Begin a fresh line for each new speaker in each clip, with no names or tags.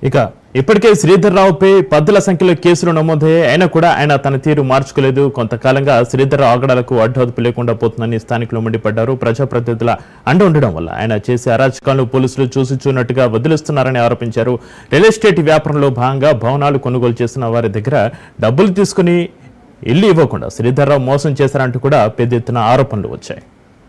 ఇక ఇప్పటికే శ్రీధర్ రావుపై పద్దుల సంఖ్యలో కేసులు నమోదయ్యాయి. అయినా కూడా ఆయన తన తీరు మార్చుకోలేదు. కొంతకాలంగా శ్రీధర్ రావు ఆగడాలకు అడ్డోదుపు లేకుండా పోతుందని స్థానికులు మండిపడ్డారు. ప్రజాప్రతినిధుల అండ ఉండడం వల్ల ఆయన చేసే అరాచకాలను పోలీసులు చూసి చూనట్టుగా వదిలిస్తున్నారని ఆరోపించారు. రియల్ ఎస్టేట్ వ్యాపారంలో భాగంగా భవనాలు కొనుగోలు చేస్తున్న వారి దగ్గర డబ్బులు తీసుకుని ఇల్లు ఇవ్వకుండా శ్రీధర్ రావు మోసం చేశారంటూ కూడా పెద్ద ఎత్తున ఆరోపణలు వచ్చాయి.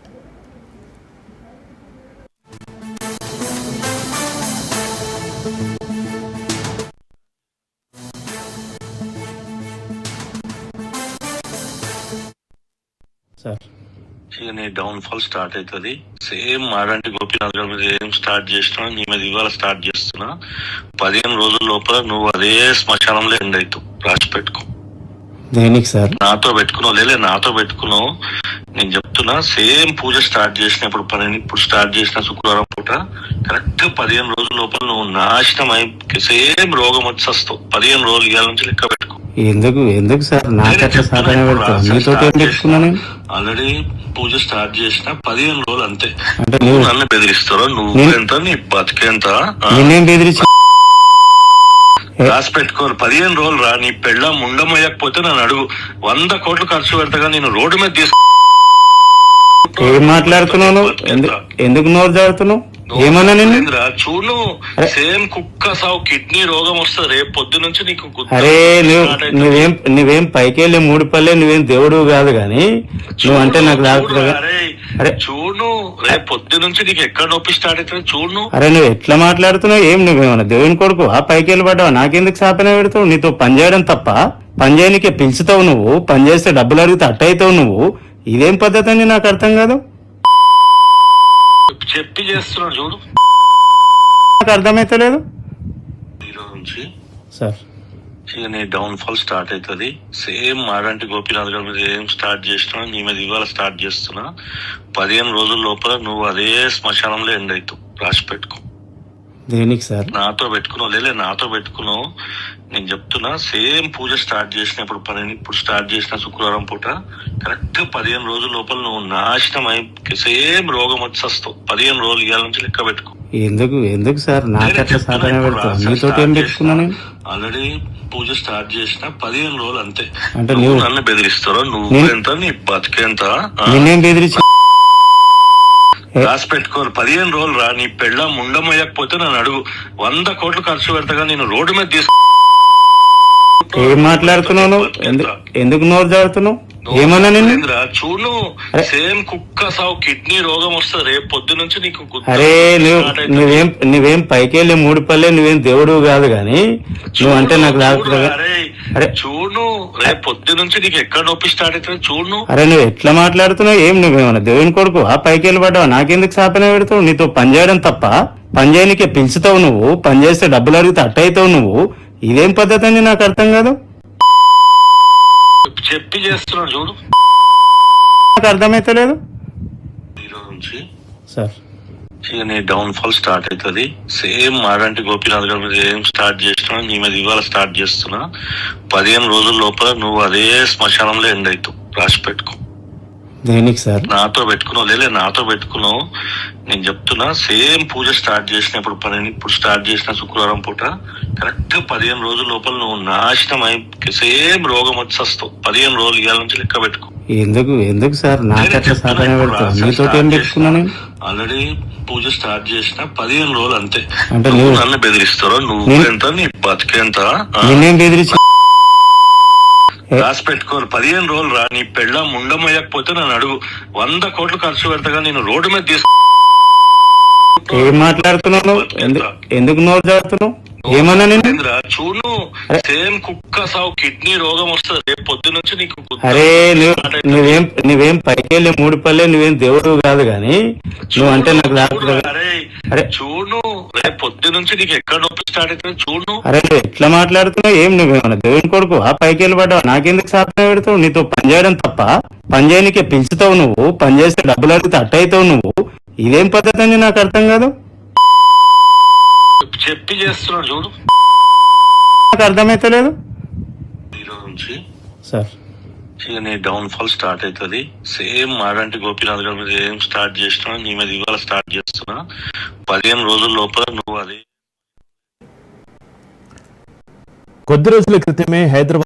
నీ డౌన్ ఫాల్ స్టార్ట్ అవుతుంది. సేమ్ మాడంటి గోపీనాథ్ గారి మీద ఏం స్టార్ట్ చేసినా నీ మీద ఇవాళ స్టార్ట్ చేస్తున్నా. 15 రోజుల లోపల నువ్వు అదే శ్మశానంలో ఎండ్ అవుతావు. రాసి పెట్టుకో.
దేనికి సార్?
నాతో పెట్టుకున్నావు లేలే, నాతో పెట్టుకున్నావు. నేను చెప్తున్నా, సేమ్ పూజ స్టార్ట్ చేసినప్పుడు ఇప్పుడు స్టార్ట్ చేసిన శుక్రవారం పూట కరెక్ట్ 15 రోజుల లోపల నువ్వు నాశనం అయి సేమ్ రోగం వచ్చి వస్తావు. 15 రోజులు ఇవాళ నుంచి లెక్క పెట్టుకో.
ఎందుకు సార్ నాకట్లా సాధన పెట్టుకున్నాను?
ఆల్రెడీ పూజ స్టార్ట్ చేసిన 15 రోజులు అంతే. అంటే నువ్వు నన్ను బెదిరిస్తారో? నువ్వు ఎంత, నీ బతికేంత
బెదిరించి
రాసి పెట్టుకోరు. 15 రోజులు రా. నీ పెళ్ళ ముండమయ్యకపోతే నన్ను అడుగు. 100 కోట్లు ఖర్చు పెడతాగా నేను రోడ్డు మీద తీసుకు.
ఏం మాట్లాడుతున్నాను? ఎందుకు నోరు జారుతున్నావు? ఏమన్నా నేను
చూడు, సేమ్ కుక్క సావు కిడ్నీ రోగం వస్తుంది రేపు పొద్దు నుంచి నీకు.
అరే నువ్వేం పైకి వెళ్ళి 3 పల్లె, నువ్వేం దేవుడు కాదు గాని నువ్వు అంటే నాకు
అరే చూడు, రేపు పొద్దు నుంచి నీకు ఎక్కడ నొప్పి స్టార్ట్ అవుతుంది చూడు.
అరే నువ్వు ఎట్లా మాట్లాడుతున్నావు? ఏం నువ్వేమన్నా దేవుని కొడుకు ఆ పైకి వెళ్ళి పడ్డావు? నాకెందుకు శాపన పెడతావు? నీతో పని చేయడం తప్ప పని చేయనికే పిలుచుతావు నువ్వు. పని చేస్తే డబ్బులు అడిగితే అట్టయితావు నువ్వు. ఇదేం పద్ధతి అని నాకు అర్థం కాదు.
చెప్పి చేస్తున్నాడు చూడు.
నాకు అర్థమైతలేదు.
ఈరోజు నుంచి
సార్
నీ డౌన్ ఫాల్ స్టార్ట్ అవుతుంది. సేమ్ మాడంటి గోపీనాథ్ గారి మీద ఏం స్టార్ట్ చేసినా నీ మీద ఇవాళ స్టార్ట్ చేస్తున్నా. 15 రోజుల లోపల నువ్వు అదే శ్మశానంలో ఎండ్ అవుతావు. రాసి పెట్టుకో.
దేనికి సార్?
నాతో పెట్టుకున్నావు లేలే, నాతో పెట్టుకున్నావు. నేను చెప్తున్నా, సేమ్ పూజ స్టార్ట్ చేసినప్పుడు ఇప్పుడు స్టార్ట్ చేసిన శుక్రవారం పూట కరెక్ట్ 15 రోజుల లోపల నువ్వు నాశనం అయి సేమ్ రోగం వచ్చి వస్తావు. 15 రోజులు ఇవాళ నుంచి లెక్క పెట్టుకో.
ఎందుకు సార్ నాకట్లా సాధన పెట్టుకున్నాను?
ఆల్రెడీ పూజ స్టార్ట్ చేసిన 15 రోజులు అంతే.
అంటే
నువ్వు నన్ను బెదిరిస్తారో? నువ్వు ఎంత, నీ బతికేంత
బెదిరించి
రాసి పెట్టుకోరు. 15 రోజులు రా. నీ పెళ్ళ ముండమయ్యకపోతే నన్ను అడుగు. 100 కోట్లు ఖర్చు పెడతాగా నేను రోడ్డు మీద తీసుకు.
ఏం మాట్లాడుతున్నావు? ఎందుకు నోరు జారుతున్నావు? ఏమన్నా నేను
చూడు, సేమ్ కుక్క సావు కిడ్నీ రోగం వస్తుంది రేపు పొద్దు నుంచి నీకు.
అరే నువ్వేం పైకి వెళ్ళి 3 పల్లె, నువ్వేం దేవుడు కాదు గాని నువ్వు అంటే నాకు
అరే చూడు, రేపు పొద్దు నుంచి నీకు ఎక్కడ నొప్పి స్టార్ట్ అవుతుంది చూడు.
అరే నువ్వు ఎట్లా మాట్లాడుతున్నావు? ఏం నువ్వేమన్నా దేవుని కొడుకు ఆ పైకి వెళ్ళి పడ్డావు? నాకెందుకు శాపన పెడతావు? నీతో పని చేయడం తప్ప పని చేయనికే పిలుచుతావు నువ్వు. పని చేస్తే డబ్బులు అడిగితే అట్టయితావు నువ్వు. ఇదేం పద్ధతి అని నాకు అర్థం కాదు.
చెప్పి చేస్తున్నాడు చూడు.
నాకు అర్థమైతలేదు.
ఈరోజు నుంచి
సార్
నీ డౌన్ ఫాల్ స్టార్ట్ అవుతుంది. సేమ్ మాడంటి గోపీనాథ్ గారి మీద ఏం స్టార్ట్ చేసినా నీ మీద ఇవాళ స్టార్ట్ చేస్తున్నా. 15 రోజుల లోపల నువ్వు అదే శ్మశానంలో ఎండ్ అవుతావు. రాసి పెట్టుకో.
దేనికి సార్?
నాతో పెట్టుకున్నావు లేలే, నాతో పెట్టుకున్నావు. నేను చెప్తున్నా, సేమ్ పూజ స్టార్ట్ చేసినప్పుడు ఇప్పుడు స్టార్ట్ చేసిన శుక్రవారం పూట కరెక్ట్ 15 రోజుల లోపల నువ్వు నాశనం అయి సేమ్ రోగం వచ్చి వస్తావు. 15 రోజులు ఇవాళ నుంచి లెక్క పెట్టుకో.
ఎందుకు సార్ నాకట్లా సాధన పెట్టుకున్నాను?
ఆల్రెడీ పూజ స్టార్ట్ చేసిన 15 రోజులు అంతే.
అంటే
నువ్వు నన్ను బెదిరిస్తారో? నువ్వు ఎంత, నీ బతికేంత
బెదిరించి
రాసి పెట్టుకోరు. 15 రోజులు రా. నీ పెళ్ళ ముండమయ్యకపోతే నన్ను అడుగు. 100 కోట్లు ఖర్చు పెడతాగా నేను రోడ్డు మీద తీసుకు.
ఏం మాట్లాడుతున్నావు? ఎందుకు నోరు జారుతున్నావు? ఏమన్నా నేను
చూడు, సేమ్ కుక్క సావు కిడ్నీ రోగం వస్తుంది రేపు పొద్దు నుంచి నీకు.
అరే నువ్వేం పైకి వెళ్ళి 3 పల్లె, నువ్వేం దేవుడు కాదు గాని నువ్వు అంటే నాకు
అరే చూడు, రేపు పొద్దు నుంచి నీకు ఎక్కడ నొప్పి స్టార్ట్ అవుతుంది చూడు.
అరే నువ్వు ఎట్లా మాట్లాడుతున్నావు? ఏం నువ్వేమన్నా దేవుని కొడుకు ఆ పైకి వెళ్ళి పడ్డావు? నాకెందుకు శాపన పెడతావు? నీతో పని చేయడం తప్ప పని చేయనికే పిలుచుతావు నువ్వు. పని చేస్తే డబ్బులు అడిగితే అట్టయితావు నువ్వు. ఇదేం పద్ధతి అని నాకు అర్థం కాదు.
చెప్పి చేస్తున్నాడు చూడు.
నాకు అర్థమైతలేదు.
ఈరోజు నుంచి
సార్
నీ డౌన్ ఫాల్ స్టార్ట్ అవుతుంది. సేమ్ మాడంటి గోపీనాథ్ గారి మీద ఏం స్టార్ట్ చేసినా నీ మీద ఇవాళ స్టార్ట్ చేస్తున్నా. 15 రోజుల లోపల నువ్వు అదే
కొద్ది రోజుల క్రితమే హైదరాబాద్